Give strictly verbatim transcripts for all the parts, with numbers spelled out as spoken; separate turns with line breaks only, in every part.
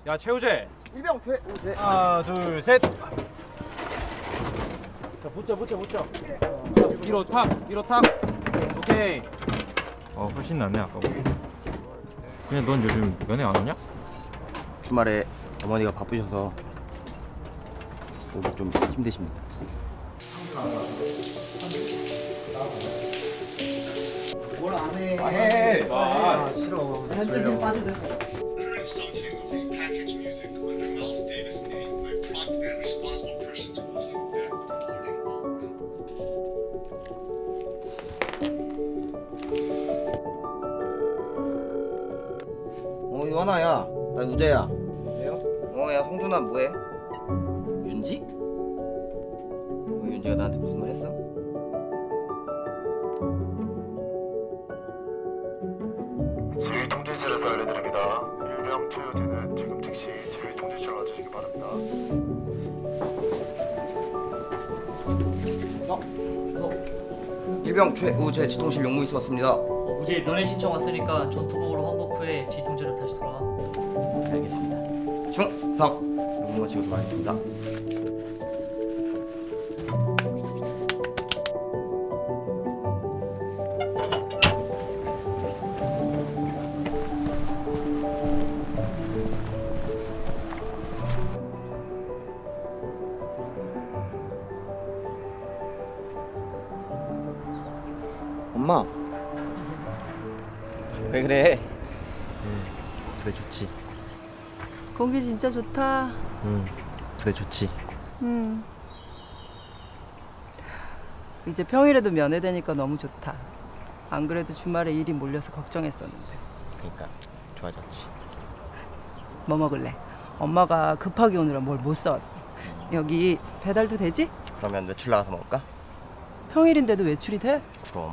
야 최우재.
일병 최. 네.
하나 둘 셋. 자 붙자 붙자 붙자. 위로 탁 위로 탁. 오케이. 어 훨씬 낫네 아까보다. 그냥 넌 요즘 연애 안 하냐?
주말에 어머니가 바쁘셔서 오기 좀 힘드십니다.
뭘 안 해?
아, 해.
아, 싫어. 현진이 빠지대.
어, 유한아야. 나 우재야. 우재요? 어, 야, 성준아 뭐해? 윤지? 어, 윤지가 나한테 무슨 말 했어?
지휘 통제실에서 알려드립니다. 일병 최우재는 지금 즉시 지휘 통제실로 와주시기 바랍니다.
서. 일병 최우재 지통실 용무이수 왔습니다.
어, 우재 면회 신청 왔으니까 전투복으로 환복 후에 지휘통제로 다시 돌아와.
알겠습니다. 충성. 용무 마치고 돌아가겠습니다. 엄마. 왜 그래?
응, 부대 좋지.
공기 진짜 좋다.
응, 부대 좋지.
음. 이제 평일에도 면회되니까 너무 좋다. 안 그래도 주말에 일이 몰려서 걱정했었는데.
그러니까 좋아졌지.
뭐 먹을래? 엄마가 급하게 오느라 뭘 못 사왔어. 여기 배달도 되지?
그러면 외출 나가서 먹을까?
평일인데도 외출이 돼?
그럼.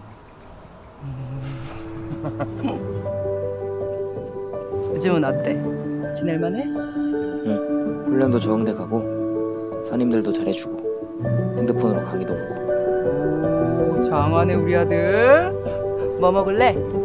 요즘은 어때? 지낼만해?
응. 훈련도 적응돼 가고 선임들도 잘해주고 핸드폰으로 강의도 보고.
오, 장하네 우리 아들. 뭐 먹을래?